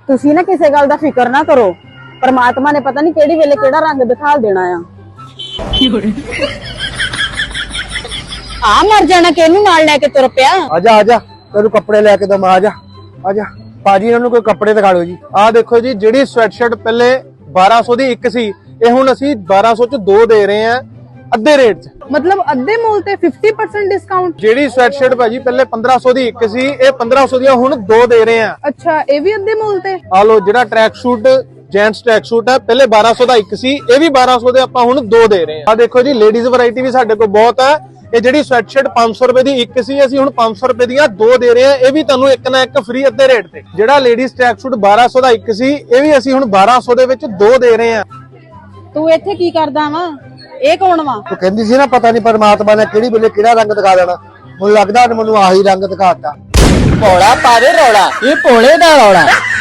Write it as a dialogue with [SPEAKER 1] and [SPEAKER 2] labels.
[SPEAKER 1] ਤੁਸੀਂ ਨਾ ਕਿਸੇ ਗੱਲ ਦਾ ਫਿਕਰ ਨਾ ਕਰੋ, परमात्मा ने पता नहीं केड़ी वेले केड़ा रंग दिखा देना आ। मर जाना केनू नाल लेके तुर पिया।
[SPEAKER 2] आजा आजा तेरू कपड़े लेके दम, आजा आजा भाजी इन्हां नूं कोई कपड़े दिखा दो जी। आ देखो जी, जिहड़ी स्वेटशर्ट पहले 1200 दी एक सी, ਇਹ ਹੁਣ ਅਸੀਂ 1200 ਚ ਦੋ ਦੇ ਰਹੇ ਆ ਅੱਧੇ ਰੇਟ ਚ।
[SPEAKER 3] मतलब अद्धे मूल ते 50% डिस्काउंट।
[SPEAKER 2] ਜਿਹੜੀ ਸਵੈਟਸ਼ਰਟ ਭਾਜੀ ਪਹਿਲੇ 1500 ਦੀ ਇੱਕ ਸੀ, ਇਹ 1500 ਦੀਆਂ ਹੁਣ ਦੋ ਦੇ ਰਹੇ ਆ।
[SPEAKER 3] अच्छा ये भी अद्धे मूल ते।
[SPEAKER 2] ਆ ਲੋ, ਜਿਹੜਾ track suit gents track suit ਹੈ ਪਹਿਲੇ 1200 ਦਾ ਇੱਕ ਸੀ, ਇਹ ਵੀ 1200 ਦੇ ਆਪਾਂ ਹੁਣ ਦੋ ਦੇ ਰਹੇ ਆ। ਆ ਦੇਖੋ ਜੀ, ਲੇਡੀਜ਼ ਵੈਰਾਈਟੀ ਵੀ ਸਾਡੇ ਕੋਲ ਬਹੁਤ ਹੈ। ਇਹ ਜਿਹੜੀ ਸਵੈਟਸ਼ਰਟ 500 ਰੁਪਏ ਦੀ ਇੱਕ ਸੀ, ਅਸੀਂ ਹੁਣ 500 ਰੁਪਏ ਦੀਆਂ ਦੋ ਦੇ ਰਹੇ ਆ। ਇਹ ਵੀ ਤੁਹਾਨੂੰ ਇੱਕ ਨਾ ਇੱਕ ਫ੍ਰੀ ਅੱਧੇ ਰੇਟ ਤੇ। ਜਿਹੜਾ ਲੇਡੀਜ਼ ਟਰੈਕ ਸ਼ੂਟ 1200 ਦਾ ਇੱਕ ਸੀ, ਇਹ ਵੀ ਅਸੀਂ ਹੁਣ 1200 ਦੇ ਵਿੱਚ ਦੋ ਦੇ ਰਹੇ ਆ।
[SPEAKER 1] तू इत्थे की करदा वा? ਇਹ ਕੌਣ ਵਾ?
[SPEAKER 2] ਤੂੰ ਕਹਿੰਦੀ ਸੀ ਨਾ ਪਤਾ ਨਹੀਂ ਪਰਮਾਤਮਾ ਨੇ ਕਿਹੜੀ ਵੇਲੇ ਕਿਹੜਾ ਰੰਗ ਦਿਖਾ ਦੇਣਾ। ਮੈਨੂੰ ਲੱਗਦਾ ਮੈਨੂੰ ਆਹੀ ਰੰਗ ਦਿਖਾਤਾ।
[SPEAKER 4] ਭੋਲਾ ਪਾਵੇ ਰੌਲਾ, ਇਹ ਭੋਲੇ ਦਾ ਰੌਲਾ।